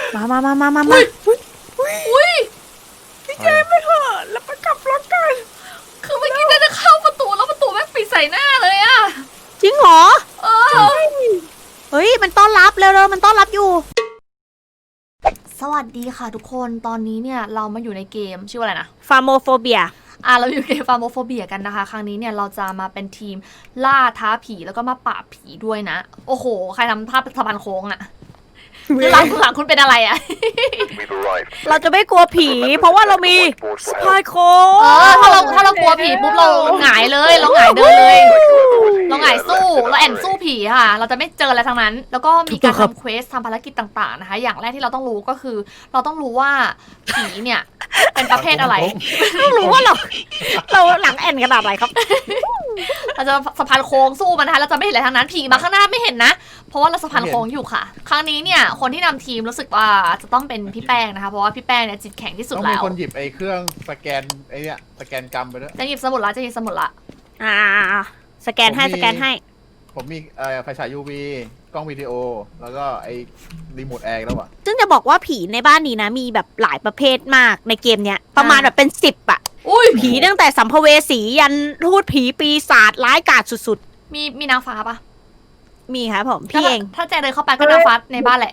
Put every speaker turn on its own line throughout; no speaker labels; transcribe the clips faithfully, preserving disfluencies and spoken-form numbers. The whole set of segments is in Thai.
มามามามามามา
อุ้ย
พี่แจมไปเถอะแล้วไปกลับรถกัน
คือเมื่อกี้จะเข้าประตูแล้วประตูแม่งปิดใส่หน้าเลยอะ
จริงเหรอ
เออ
เฮ้ยมันต้อนรับเร็วๆมันต้อนรับอยู่สวัสดีค่ะทุกคนตอนนี้เนี่ยเรามาอยู่ในเกมชื่อว่าอะไรนะ
ฟาโมโฟเบีย
อ่ะเราอยู่ในฟาร์โมโฟเบียกันนะคะ ครั้งนี้เนี่ยเราจะมาเป็นทีมล่าท้าผีแล้วก็มาปราบผีด้วยนะ โอ้โห ใครทำภาพสะพานโค้งอะหลังหลังคุณเป็นอะไรอะ
เราจะไม่กลัวผี เพราะว่าเรามีสปายโค้
เออถ้าเราถ้าเรากลัวผีปุ๊บเราหงายเลยเราหงายเดินเลย เราหงายสู้เราแอนสู้ผีค่ะ เราจะไม่เจออะไรทั้งนั้น แล้วก็มีการทำเควสทำภารกิจต่างๆนะคะ อย่างแรกที่เราต้องรู้ก็คือ เราต้องรู้ว่าผีเนี่ยเป็นประเภทอะไร
ต้องรู้ว่าเราเราหลังแอนขนาดไหนครับ
เราจะสะพานโค้งสู้มันนะคะเราจะไม่เห็นอะไรทั้งนั้นผีมาข้างหน้าไม่เห็นนะ เพราะว่าเราสะพานโค้งอยู่ค่ะ ครั้งนี้เนี่ยคนที่นำทีมรู้สึกว่าจะต้องเป็นพี่แป้งนะคะเพราะว่าพี่แป้งเนี่ยจิตแข็งที่สุด
ต้อง
แล้
มี
ว
คนหยิบไอ้เครื่องสแกนไอ้เนี่ยสแกนกรรมไปด้วย
จะหยิบสมุดละจะหยิบสมุดละ
อ่าสแกนให้สแกนให้
ผมมีเอ่อไฟฉาย ยู วี กล้องวิดีโอ แล้วก็ไอ้รีโมทแอร์แล้วอ่ะ
ซึ่งจะบอกว่าผีในบ้านนี้นะ มีแบบหลายประเภทมากในเกมเนี้ย ประมาณแบบเป็นสิบอะ
อุ้ย
ผีตั้งแต่สัมภเวสียันทูตผีปีศาจร้ายกาจสุด
มีมีนางฟ้าปะ
ๆ มีครับผมพี่เอง
ถ้าแจเดินเข้าไปก็นางฟ้าในบ้านแหละ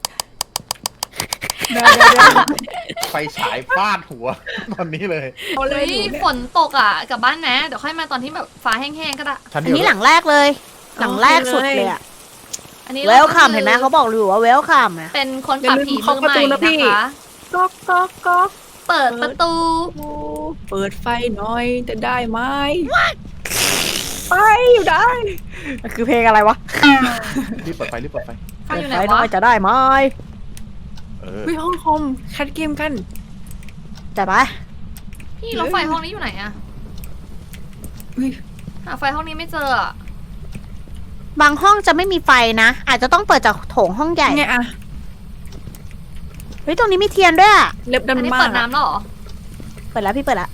ไฟฉายฟาดหัว ตอนนี้เลย
เอาเล
เฮ้
ย
ยฝนตกอ่ะกลับบ้านนะเดี๋ยวค่อยมาตอนที่แบบฟ้าแห้งๆก็ได้
ชั้น
อั
เดี
น
ยว
นี้หลังแรกเลย หลังแรกสุดเลยอะ
อันนี้
เวลคัมเห็นไหมเขาบอกอยู่ว่าเวลคัมอะ
เป็นคนปราบผีมือใหม่นะคะ
ก๊อกก๊อกก๊อก
เปิดประตู
เปิดไฟหน่อยจะได้ไหมไปอยู่ได้
มันคือเพลงอะไรวะ
รีบเปิดไฟรีบเปิดไฟ
ไฟอยู่ไหน
ไฟน้อ
วะ
ยจะได้ไหม
เออ
เฮ้ยห้องคอมแคทเกมกัน
จัดไป
พี่แล้วไฟห้องนี้อยู่ไหนอะ
เฮ้ย
หาไฟห้องนี้ไม่เจออะ
บางห้องจะไม่มีไฟนะ อาจจะต้องเปิดจากโถงห้องใหญ่
ไงอะ
เฮ้ยตรงนี้มีเทียนด้วยอะ
เล็บ
อัน
ดำ
นี้
มา
เปิ
ก
ดน้ำแล้วเหรอ
เปิดแล้วพี่เปิดแล้ว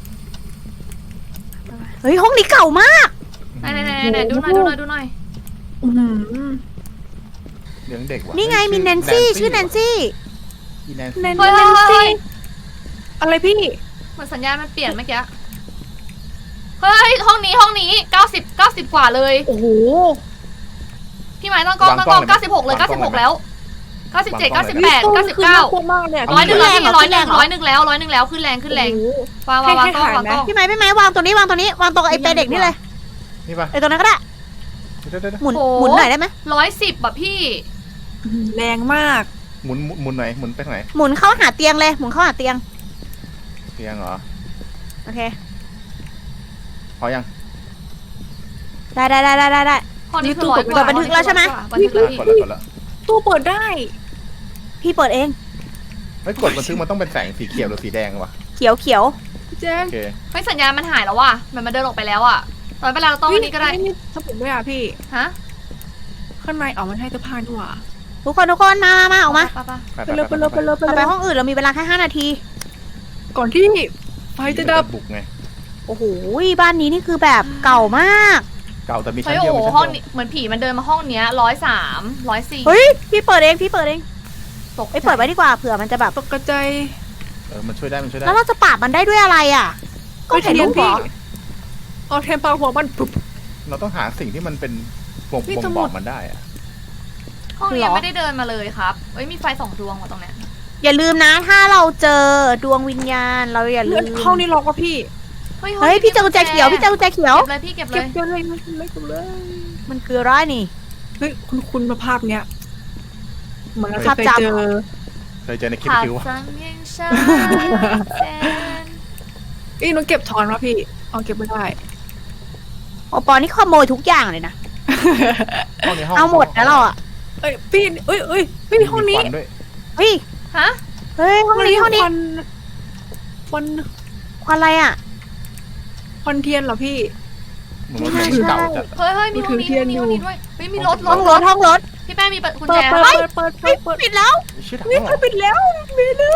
เฮ้ยห้องนี้เก่ามาก
ไหนไหนไหนไหนดูหน่อยดูหน่อยดูหน่อย
อื้อหือ
เลี้ยงเด็กว่ะ
นี่ไงมีแนนซี่ชื่อแนนซี่
อีแนน
แน
ซี่
น
เฮ้ยเฮ้ยเฮ้ย
อะไรพี่
เหมือนสัญญาณมันเปลี่ยนเมื่อกี้เฮ้ยห้องนี้ห้องนี้เก้าสิบเก้าสิบกว่าเลย
โอ้โห
พี่หมายตั้งกล้องตั้งกล้องเก้าสิบหกเลยเก้าสิบหกแล้วเก้าสิบเจ็ดเก้าสิบแปดเก้าสิบเก้า
คือน่ากลัวมากเนี่ย
ร้อยหนึ่งแล้วพี่
ขึ้น
ร้อย
แร
หนึ่
ง
ง
เหรอ
ร้อยหนึ่งแล้วร้อยหนึ่งแล้วขึ้นแรงขึ้นแรง
โอ้โห
วางวางวางกล้องวางกล้อง
พี่ไม้พี่ไม้วางตรงนี้วางตรงนี้วางตรงไอ้เปรย์เด็กนี่เลย
นี่ปะ
ไอ้ตรงนั้นก็ได้
เดี๋ยวเดี๋ยวเดี๋ยว
หมุนหมุนหน่อยได้ไหม
ร้อยสิบแบบพี่
แรงมาก
หมุนหมุนหมุนไหนหมุนไปทางไหน
หมุนเข้าหาเตียงเลยหมุนเข้าหาเตียง
เตียงเหรอ
โอเค
พอยัง
ได้ได้ได้ได้ได้
ห้องนี้คือร้อยกว่า
เปิดบันทึกแล้วใช่ไหม
บันทึกแล้วพี่
กดแล้วกดแล้ว
ตู้เปิดได้
พี่เปิดเอง
เฮ้ยกดบันทึกมันต้องเป็นแสงสีเขียวหรือสีแดงวะ
เขียวเขียว
พี่แจ้ง
โอเค
เฮ้ยสัญญาณมันหายแล้วว่ะมันมาเดินออกไปแล้วอ่ะตอนเวลาเราต้องอันนี้ก็ได้
นี่สมุดด้วยอ่ะพี่
ฮะ
ข้างในอ๋อมันให้เสื้อผ้าด้วยว่ะ
ทุกคนทุกคนมามามาออกมา
ไปไป
ไป
ไปเลยไปเลยไปเลยไป
เรา
เล
ไป
ย
ห้องอื่นเรามีเวลาแค่ห้านาที
ก่อนที่ไฟจะดับ
บุกไง
โอ้โหบ้านนี้นี่คือแบบเก่ามาก
เก่าแต่มีชั้
เฮ้
น
ย
เดียว
โอ้โห
มีชั้น
ห้อง
เดี
นี้
ยว
เหมือนผีมันเดินมาห้องเนี้ยร้อยสามร้อยสี่
เฮ้ยพี่เปิดเองพี่เปิดเอง
ตก
ไอ้ยเปิดไว้ดีกว่าเผื่อมันจะแบบ
ตกกระจาย
เออมันช่วยได้มันช่วยได้
แล้วเราจะปราบมันได้ด้วยอะไรอ่ะ ก็เห็นรูปเหร
พี่
อ
เอาเทมปาหัวมันปุ๊บ
เราต้องหาสิ่งที่มันเป็นบ่ง
นี่
บ่ง
สมุ
บ
ด
อกมันได้อะ
ห้องนี้ยังไม่ได้เดินมาเลยครับเฮ้ยมีไฟสองดวงว่ะตรงเนี้ย
อย่าลืมนะถ้าเราเจอดวงวิญญาณเราอย่าลื
เลื่อน
ม
ห้องนี้ล็อกว่ะพี่
เฮ้ย
เฮ้ยพี่เจอกุญแจเขียวพี่เจอกุญแจเขียว
เก็บเลยพี่เก็บเล
เก็บ
ย
เก็บเลยไม่เป็นไรเก็บเลย
มันคืออะไรนี่
เฮ้ยคุณคุณมาภาพเนี้ยเหมือนเรา
ภาพ
เคย
จำ
เจอ
เคยเจอในคลิป
ขาด
คิววะ
สังยังฉันแสน
เอ้ยหนูเก็บถอนวะพี่เอาเก็บไม่ได้
โอปอนี่ขโมยทุกอย่างเลยนะ
ห้องนี้ห้อง
เอาหมดนะเราอ่ะ
เอ้ยพี่เอ้ยเอ้ยเฮ้ยห้องนี้
มีควัด้วย
เฮ้ย
ฮะ
เฮ้ยห้องนี้ห้องนี้
ควันควัน
ควันอะไรอ่ะ
ควันเทียนเหรอพี่
เหมือนว่ามันเก่าจัด
เฮ้ยเฮ้ยมีห้องนี้
ถือเที
ห้
ย
อน งนี้
อยู่
ห้องนี้ด้วยเฮ้ยมีรถร
ห้อ
ถ
งรถห้องรถ
พี่แป้งมีกุญ
เปิ
แจ
ดเปิด
ปะ
เปิดเปิดเปิ
เฮ้ย
ดเปิด
ปิดแล้ว
ชื่อถัง
นี่
เหร
เขา
อ
ปิดแล้วมีเลย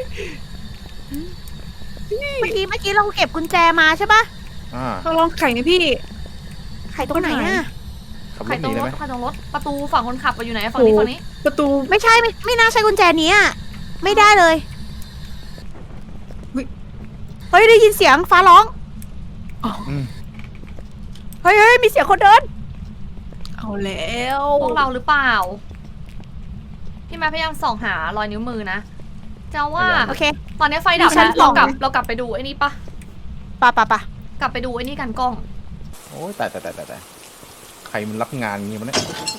เมื่อกี้เมื่อกี้เราเก็บกุญแจมาใช่ปะ
อ่า
เราลองไข่นะพี่
ไขตรงไหนอ่ะ
ขับร
ใคร
ถห
ตร
นี
ง
ได้
ร
ไหม
ถใครตรงรถประตูฝั่งคนขับอยู่ไหนฝั่งนี้ฝั่งนี้
โ
ประตู
ไม่ใช่ไม่ไม่น่าใช่กุญแจนี้อะไม่ได้เลย เฮ้ยได้ยินเสียงฟ้าร้อง
อืม
เฮ้ยเฮ้ยมีเสียงคนเดิน
เอาแล้ว
พวกเราหรือเปล่า พี่แม่พยายามส่องหารอยนิ้วมือนะจะว่า
โอเค
ตอนนี้ไฟดับ
ดิฉั
แล้ว
นส่
เรา
อง
กลับเรากลับไปดูไอ้นี่ปะ
ปะปะปะ
กลับไปดูไอ้นี่กันกล้อง
โอ้ยแต่แต่แต่แต่แต่ใครมันรับงานงี้มันเนี่ย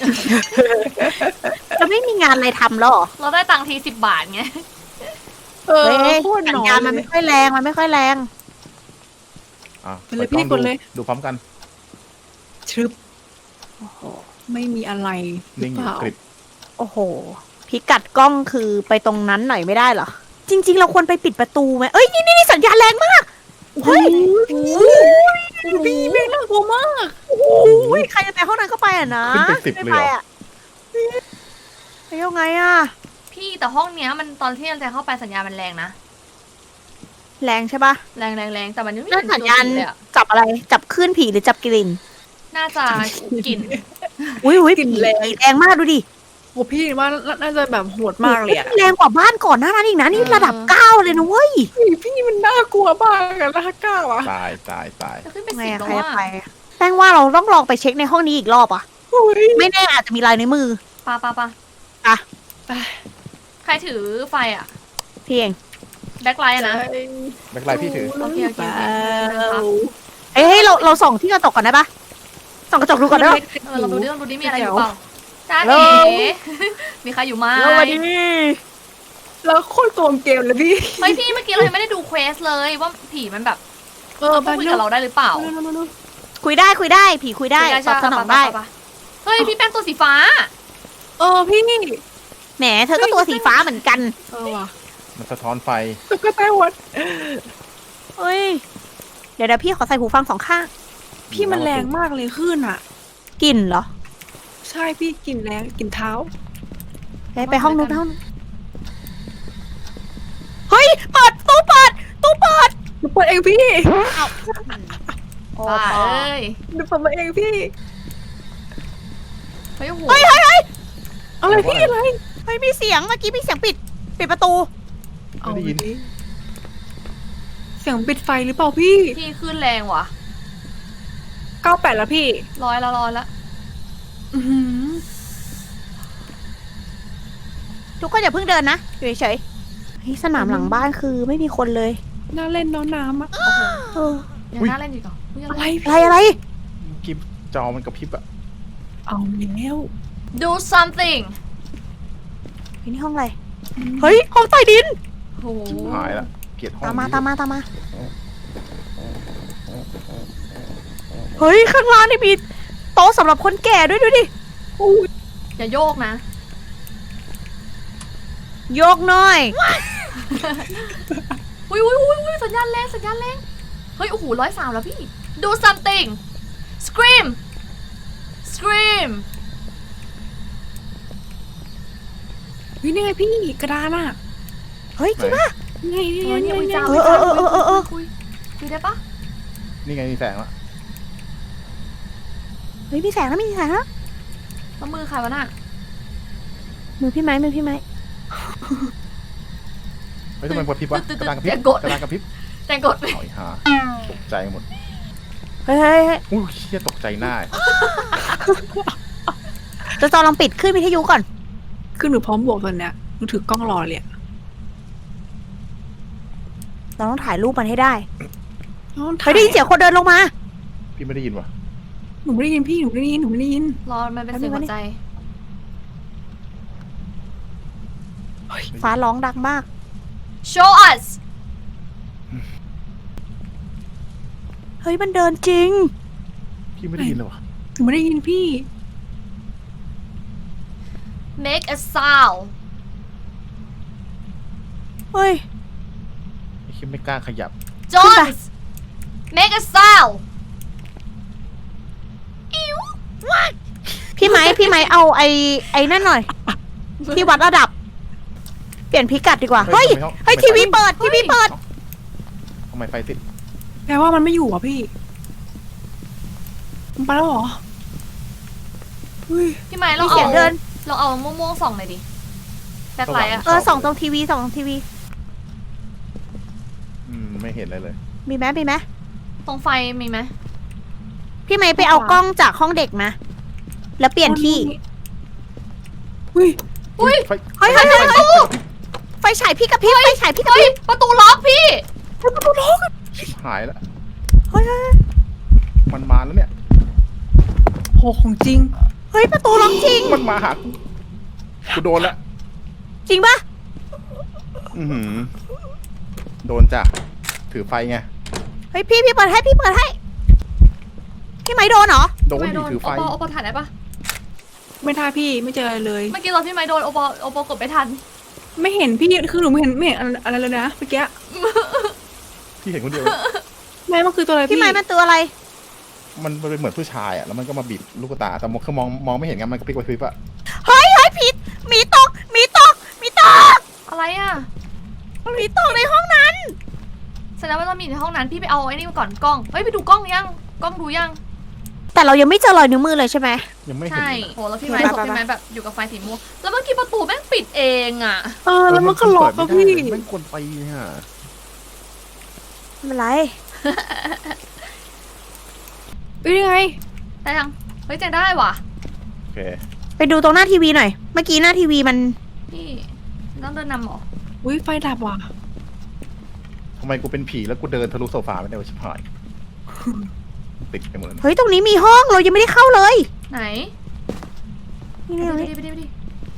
จะไม่มีงานอะไรทำแล้วเหรอ
เราได้ตังค์ทีสิบบาทไง
เออ
เฮ้ย
โคตร
สั
หน
ญ
อน
ญาณมัน
เล
ไม่
ย
ค่อยแรงมันไม่ค่อยแรง
อ่ะ
ไปเลย
ปิดกล้อง
พี่กดเลย
ดูดูพร้อมกัน
ชึบโอ้โหไม่มีอะไรหรือ
นิ่งอ
เป
ยู่
ล่า
กริบ
โอ้โห พิกัดกล้องคือไปตรงนั้นหน่อยไม่ได้เหรอ จริง ๆ เราควรไปปิดประตูไหมเอ้ยนี่นี่นี่สัญญาณแรงมากเฮ้ย
พี่แม่งน่ากลัวมาก
โอ้ยใครจะไปห้องนั้นก็ไปอ่ะนะ
ขึ้นไปสิบเลยเหร
ไม่
อ
ไปอ่ะไปยังไงอ่ะ
พี่แต่ห้องเนี้ยมันตอนที่เราจะเข้าไปสัญญาณมันแรงนะ
แรงใช่ปะ
แรงแรงแรงแต่มันยังไม่
นั่
เห็
น
น
สัญ
ตัว
ญาณ
ผีเลยอะ
จับอะไรจับคลื่นผีหรือจับกลิ่น
น่าจะกลิ่น
อุ้ยอุ้ยผีแรงมากดูดิ
โอ้พี่ว่าน่าจะแบบโหดมากเลยอะ
แรงกว่าบ้านก่อนหน้านั้นอีกนะนี่ระดับเก้าเลยนะเว้ย
พี่พี่มันน่ากลัวมากอะน่ากล้าวอะ
ตายตายตาย
จะขึ้นไป
ไง
สิบ
อะ
แล้ว
ใครจะ
ว่า
ไปอะแป้งว่าเราต้องลองไปเช็คในห้องนี้อีกรอบอ่ะ
โอ้ย
ไม่แน่อาจจะมีลายในวมือ
ปาปาปา
อ่ะ
ใครถือไฟอะ
พี่เอง
แบ็คไลท์อะนะ
แบ็คไลท์พี่ถือ
โอเคโอเคโอเค
เอ้ยเฮ้ยเราเราส่องที่กระจกก่อนได้ปะส่องกระจกดูก่อนได้ปะ
เออเราดูดิเราดูดิมีอะไรอยู่เปล่าจ้า
แล้
เอ๋
ว
มีใครอยู่ไหม
แล้ววันนี้
แล้วโคตรโกงเกมเลยพี่
เฮ้ยพี่เมื่อกี้เรายังไม่ได้ดูเควสเลยว่าผีมันแบบ
เออ
พูดคุยกับเราได้หรือเปล่า
คุยได้คุยได้ผีคุยได้ตอบสนองได้
ปะปะปะเฮ้ยพี่แป้งตัวสีฟ้า
เออพี่
แหมเธอก็ตัวสีฟ้าเหมือนกัน
เออว่ะ
มันสะท้อนไฟ
ตุ๊กตาวัด
เฮ้ยเดี๋ยวเดี๋ยวพี่ขอใส่หูฟังสองข้าง
พี่มันแรงมากเลยขึ้นอะ
กลิ่นเหรอ
ใช่พี่กลิ่นแรงกลิ่นเท้า
ไปไปห้องนู้นไปห้องนู้นเฮ้ยเปิดตู้เปิดตู้เปิด
หนูเปิดเองพี่
โอ้
บ้า
ปอ
เอ้ย
หนูเปิดมาเองพี่
เฮ้ยโอ้โห
เฮ้ยเฮ้ยเฮ้ย
อะไรพี่อะไร
เฮ้ยมีเสียงเมื่อกี้มีเสียงปิดปิดประตู
เอาดิเสียงปิดไฟหรือเปล่าพี่
พี่ขึ้นแรงว่ะ
เก้าแปดแล้วพี่
ร้อยละร้อยละ
อือหือ
ทุกคนอย่าเพิ่งเดินนะอยู่เฉยๆเฮ้ยสนามหลังบ้านคือไม่มีคนเลย
น่าเล่นเน้องน้ำอะ
โอ้โห
เออ
ยังน่าเล่นอีกเหรออุ๊ย
อะไร
อะไรอะไร
กิบจอมันกระพริบอะ
เอาแล้ว
ดู something
เฮ้ยนี่ห้องอะไรเฮ้ยห้องใต้ดิน
โอ้โห
ชิบหายละเกลียดห้อง
ตามมา
นี้
ตามมาตามมาเฮ้ยข้างล่างนี่มีโต๊ะสำหรับคนแก่ด้วยดูดิ
อย่าโยกนะ
โยกหน่อย
อุ้ยอุ้ยอุ้ยอุ้ยสัญญาณแรงสัญญาณแรงเฮ้ยโอ้โหร้อยสามแล้วพี่ ดู something scream scream
เฮ้ยนี่ไงพี่กระดานอะ
เฮ้ยจริงปะ
นี่ไงนี่
เอ
ไง
อ
นี่
เนี่ย
ไง
อุ้ย
นี่
จ้า
ไง
อุ้ยจ้า
เออเออเออเออ
คุยคุยได้ปะ
นี่ไงมีแสงละ
เฮ้ยมีแสงแล้วมีแสงแล้ว
แล้วมือใครวะน่ะ
มือพี่ไม้มือพี่ไม้
เฮ้ยทำไมกระพริบวะ
ตึ๊ด
ก
ตึ๊ด
ระดานกระพริบ
อย่ากด
กระดานกระพริบ
แจงกดไป
หอยหาตกใจหมด
เฮ้ยเฮ้ยเฮ้ย
อุ้ยเชี่ยตกใจหน้า
จะจอลองปิดขึ้นวิทยุก่อน
คือหนูพร้อมบวกตอนเนี้ยหนูถือกล้องรอเลยอะ
เราต้องถ่ายรูปมันให้ได้
น้อง
เฮ้ยได้ยินเสียงคนเดินลงมา
พี่ไม่ได้ยินวะ
หนูไม่ได้ยินพี่หนูไม่ได้ยินหนูไม่ได้ยิน
รอมันเป็นเสียงหัวใจ
ฟ้าร้องดังมาก
show us
เฮ้ยมันเดินจริง
พี่ไม่ได้ยินเลยวะ
หนูไม่ได้ยินพี่
make a sound
เฮ้ย
ไอ้คิดไม่กล้าขยับ
Jones make a sound
พี่ไม้พี่ไม้เอาไอ้ไอ้นั่นหน่อย ที่วัดระดับ เปลี่ยนพิกัดดีกว่า
เฮ้
เฮ้ย
ยทำไมห้อง
เฮ้ย
ทำไม
ทีวีเปิดทีวีเปิด
ทำไมไฟติด
แปลว่ามันไม่อยู่อ่ะพี่มันไปแล้วเหรอเฮ้ย
พี่ไม้เรา
มี
เอา
เสียงเดิน
เราเอาม่วงๆส่องหน่อยดิแบ็คไลท์อะ
เออส่องตรงทีวีส่องตรงทีวี
อืมไม่เห็นอะไรเลย
มีไหมมีไหม
ตรงไฟมีไหม
พี่ไม้ไปเอากล้องจากห้องเด็กมา แล้วเปลี่ยนที่
อุ้ย
อุ้ย
ไฟ
เฮ้ยเฮ้ยเฮ้ยเฮ้ยไฟฉายพี่กับพี่ไฟฉายพี่กับ
เฮ้ย
พี่
ประตูล็อกพี่
ชิบหายแล้ว
เฮ้ยเฮ้ย
มันมาแล้วเนี่ย
โหของจริง
เฮ้ยประตูล็อกจริง
มันมาหากูกูโดนละ
จริงปะ
อือหือโดนจ้ะถือไฟไง
เฮ้ยพี่พี่เปิดให้พี่เปิดให้ พี่ไม้โดนเหรอ
โดน
ไม่
ดิ
โดน
ถือ
โอ
ไฟ
ปอโอปอถ่ายได้ปะ
ไม่ท่าพี่ไม่เจออะไรเลย
เมื่อกี้ตอนพี่ไม้โดนโอปอโอปอกดไม่ทัน
ไม่เห็นพี่คือหนูไม่เห็นไม่เห็นอะไรเลยนะเมื่อกี้
พี่เห็นคนเดียว
แม่มันคือตัวอะไร
พี่
พี่
ไม้มันตัวอะไร
มันเป็นเหมือนผู้ชายอ่ะแล้วมันก็มาบีบลูกตาแต่มองคือมองมองไม่เห็นไงมันกระพริบกระพริบอ่ะ
เฮ้ยเฮ้ยผิดหมีตกหมีตกหมีตก
อะไรอะ
หมีตกในห้องนั้น
แสดงว่าเรามีในห้องนั้นพี่ไปเอาไอ้นี่มาก่อนกล้องเฮ้ยไปดูกล้องยังกล้องดูยัง
แต่เรายังไม่เจอรอยนิ้วมือเลยใช่ไหม
ยังไม่เห็น
ใช่
เลย
โหแล้วพี่ไม้
ไป
ศพ
ไป
พี่ไม้แบบอยู่กับไฟสีม่วงแล้วเมื่อกี้ประตูแม่งปิดเองอะ
เออแล้วมันก็ล็อก
เปิ
อะ
ดไม่
พี่
ได้เลยไม่ควรไปเนี่ย
ไม่เป็นไร
เอ้ยยังไง
ได้ยังเฮ้ยจะได้ว่ะ
โอเค
ไปดูตรงหน้าทีวีหน่อย เมื่อกี้หน้าทีวีมัน
พี่ต้องเดินนำเหรอ
อุ้ยไฟดับว่ะ
ทำไมกูเป็นผีแล้วกูเดินทะลุโซฟาไม่ได้วะชิบหายติดไปหมดเลย
เฮ้ยตรงนี้มีห้องเรายังไม่ได้เข้าเลย
ไหน
นี่
ไป
นี่
ดิ
นี่
ไปดิไปดิ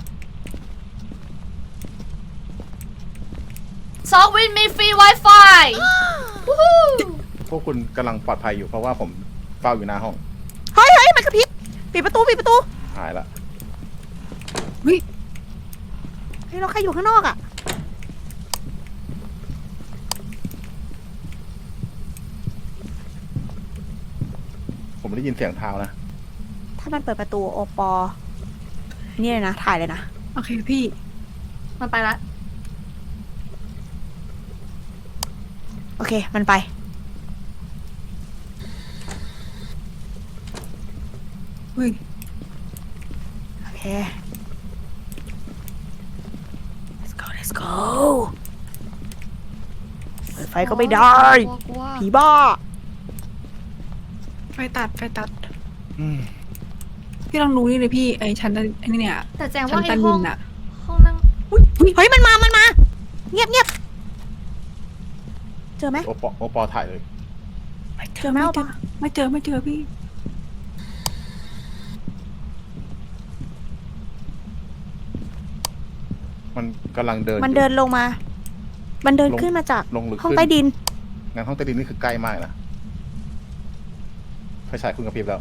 ซอกวินมีฟรี Wi-Fi วู้ฮู้
พวกคุณกำลังปลอดภัยอยู่เพราะว่าผมเฝ้าอยู่หน้าห้อง
เฮ้ยเฮ้ยมันกระพริบปิดประตูปิดประตู
หายละ
เฮ้ยเราใครอยู่ข้างนอกอ่ะ
ผมได้ยินเสียงเท้านะ
ถ้ามันเปิดประตูโอปอนี่เลยนะถ่ายเลยนะ
โอเคพี่
มันไปละ
โอเคมันไป
เฮ้ย
โอเค let's go let's go เปิดไฟก็ไม่ได้
กลัวกลัว
ผีบ้า
ไฟตัดไฟตัด
อืม
พี่ลองดูนี่เลยพี่ไอ้ชั้นไอ้นี่เนี่ย
แต่แจง
ชั้
ว่าน
ใต้
ไอ้
ดิ
ห้อง
นอะ
ห้องนั่ง
เฮ้ยมันมามันมา เงียบเงียบเจอไหม
โอปอโอปอถ่ายเลย
เจอไหม
ไม่
โอ
เจ
ป
อ
อ
ไม่เจอไม่เจอพี่
มันกำลังเดิน
มัน
อยู่
เดินลงมา มันเดิน
ลง
ขึ้นมาจาก
ลงลึก
ห้อง
ขึ้น
ใต้ดิน
งานห้องใต้ดินนี่คือใกล้มากนะไฟฉายคุณกระพริบแล้ว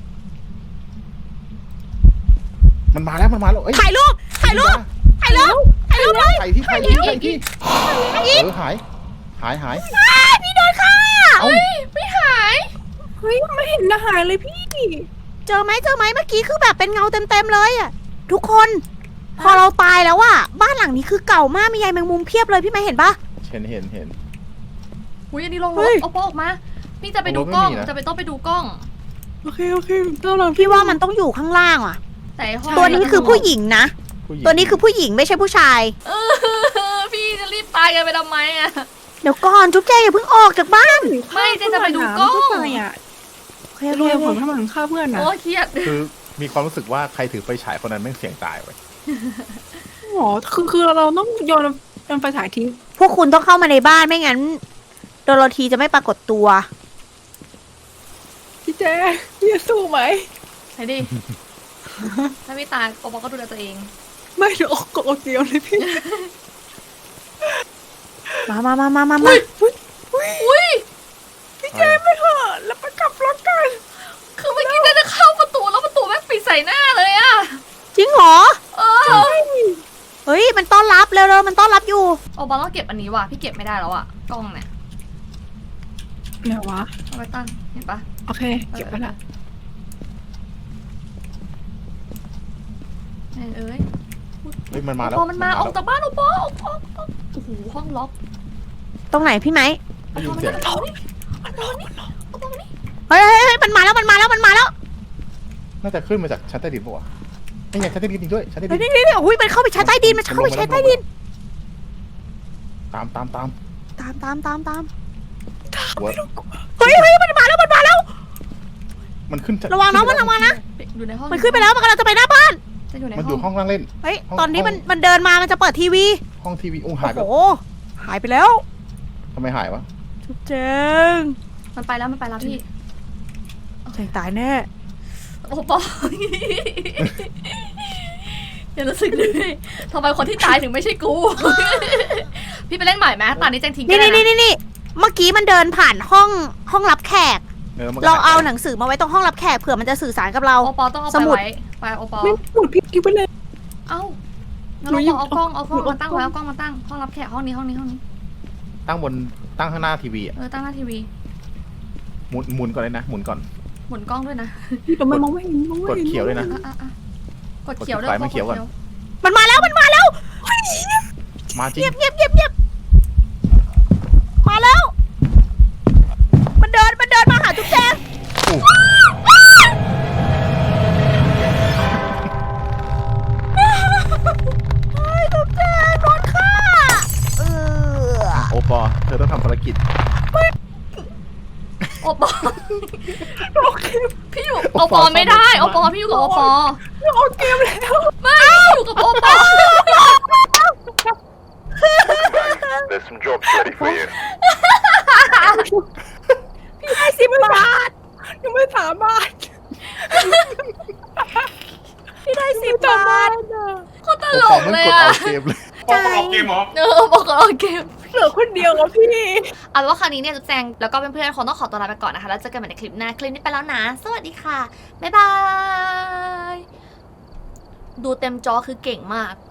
มันมาแล้วมันมาแล้วเอ้ย
ถ่ายรูป ถ่ายรูป ถ่ายรูป ถ่ายรูปเลย
ถ่ายที่ถ่ายที่ถ่ายที่เออหาย หายหาย
พี่โดนค่ะ
เอ้า
ไม่หาย
เฮ้ยไม่เห็นอาหารเลยพี่
เจอไหมเจอไหมเมื่อกี้คือแบบเป็นเงาเต็มๆเลยอ่ะ ทุกคน พอเราตายแล้วอ่ะ บ้านหลังนี้คือเก่ามาก มีใยแมงมุมเพียบเลยพี่ไม่เห็นปะ
เห็นเห็นเห็น
อุ้ยอันนี้ลงร
เฮ้
ถ
ย
เอาโป๊ะออกมา นี่จะไปดู
ลงรถ
กล้อง
ไม่มีนะ
จะไปต้องไปดูกล้อง
โอเคโอเคต้องลอง
พี่ว่ามันต้องอยู่ข้างล่างอ่ะ
แต่ไอ้ห้อง
ตัวนี้คือผู้หญิงนะ
ผู้หญิง
ตัวนี้คือผู้หญิงไม่ใช่ผู้ชาย
เออพี่จะรีบตายกันไปทำไมอะ
เดี๋ยวก่อนจุ๊บแจอย่าเพิ่งออกจากบ้าน
ไม่เจ๊จะไปดูกล้อง
ไม่ไปอ่ะ
โอเค
จะ
โอ
รวย
เค
ผลถ้ามันฆ่าเพื่อนนะ
โอ้เครียด
คือมีความรู้สึกว่าใครถือไฟฉายคนนั้นแม่งเสี่ยงตายไว้ย
หมอคือคือเราต้องโยนโยนไฟฉายทิ้ง
พวกคุณต้องเข้ามาในบ้านไม่งั้นโดโรธีจะไม่ปรากฏตัว
พี่แจ๊พี่จะสู้ไหม
ไหนดิ ถ้าพี่ตายโอปอก็ดูแลตัวเอง
ไม่เดี๋ยวออกกดออกเดียวเลยพี่
มามามามามามา
อุ้ย
พี่แจ๊ไม่เถอะแล้วไปกลับรถกัน
คือเมื่อกี้จะเข้าประตูแล้วประตูแม่งปิดใส่หน้าเลยอะ
จริงเหรอ
เออ
เฮ้ยมันต้อนรับเร็วๆมันต้อนรับอยู่
โอปอต้องเก็บอันนี้ว่ะพี่เก็บไม่ได้แล้วอะกล้องเนี่ย
ไหนวะ
เอาไปตั้งเห็นปะ
โอเค เก็บไปละ
เอ้ยเอ้ย
เฮ้ยมันมา
โอ
แล้ว
ปอมันมาออก
แล้ว
จากบ้านโอปอออกออกออกโอ้โหห้องล็อก
ตรงไหนพี่ไหม
ได้ยินเสียง
โอปอมันล็อกมันล็อกโอปอมันนี่
เฮ้ยเฮ้ยเฮ้ยมันมาแล้วมันมาแล้วมันมาแล้ว
น่าจะขึ้นมาจากชั้นใต้ดินปะวะไอ้นี่ไงชั้นใต้ดินจริงด้วยชั้นใต้
เฮ้ย
ดิน
นี่นี่โอ้ยมันเข้าไปชั้นใต้ดินมันเข้าไปชั้นใต้ดิน
ตามตามตาม
ตามตามตามตาม
หัว
เฮ้ยเฮ้ยมันมาแล้วมันมาแล้ว
มันขึ้น
ระวังน้องมันระวังนะ
อยู่ในห้อง
มันขึ้นไปแล้วมันกำลังจะไปหน้าบ้าน
จะอยู่ใน
มันอ
ห้
ยู่
อง
ห้องนั่งเล่น
เฮ้ย
ห้อง
ตอนนี้มัน
ห้อง
มันเดินมามันจะเปิดทีวี
ห้องทีวีอุ้งหายไป
โอ้โหหายไปแล้ว
ทำไมหายวะ
จุ๊บเจง
มันไปแล้วมันไปแล้วพี่
เจงตายแน่
โอ้ปอ อย่ารู้สึกเลยทำไมคนที่ตายถึงไม่ใช่กู พี่ไปเล่นใหม่ไหมตอนนี้แจงทิ้งกั
นี่
น
นี่
นะ
นี่นี่เมื่อกี้มันเดินผ่านห้องห้องรับแขก
เออมันก็
เราเอา
หยไป
หนังสือมาไว้ตรงห้องรับแขกเผื่อมันจะสื่อสารกับเรา
โอปอต้องเอา
ส
ไป
มุด
ไว้ไปโอปอ
ไม่หมดพี่กิ๊บไปเลย
เอ้างั้น
หนู
เรา
หยิบ
เอากล้องเอากล้อง
หนูเอา
มาตั้ง
กล้อง
ไว้เอากล้องมาตั้งห้องรับแขกห้องนี้ห้องนี้ห้องนี้
ตั้งบนตั้งข้างหน้าทีวีอ่ะ
เออตั้งหน้าทีวี
หมุนหมุนก่อนเลยนะหมุนก่อน
หมุนกล้องด้วยนะ
พี่แต่มันมองไม่เห็นมองไม่
กด
เห็น
เขียวเลยนะ
อ่ะอ่ะอ่ะกดเขียวด้วย
กดไฟมันเขียวก่อน
มันมาแล้วมันมาแล้ว
มาจริง
เงียบเงียบเงียบเงียบมาแล้ว มันเดินมันเดินมาหาจุ๊บแจง
อู้
เฮ้ยจุ๊บแจงโดนฆ่าเออ
โอปอเธอต้องทำภารกิจ
โอปอพี่อยู่โอปอไม่ได้โอปอพี่อยู่กับโอปอ
ออกเกมแล้ว
ไม่อยู่กับโอปอ
There's some jobs ready for you.
พี่ให้สิบบาทยังไม่สามารถ
พี่ได้สิ
สิ
บ
บบ
า
า
ท
ทอะ
โคตรต
โอ
ล
ปอก มัน
เลย
กด
อะ
เอาเกมเลย
ใจ
เออบอกกับเราเกม
เหลือคนเดียวอะพี่
เอาเป็นว่าครั้งนี้เนี่ยจุ๊บแจงแล้วก็เพื่อนๆคงต้องขอตัวลาไปก่อนนะคะแล้วเจอกันใหม่ในคลิปหน้าคลิปนี้ไปแล้วนะ สวัสดีค่ะ บ๊ายบาย ดูเต็มจอคือเก่งมาก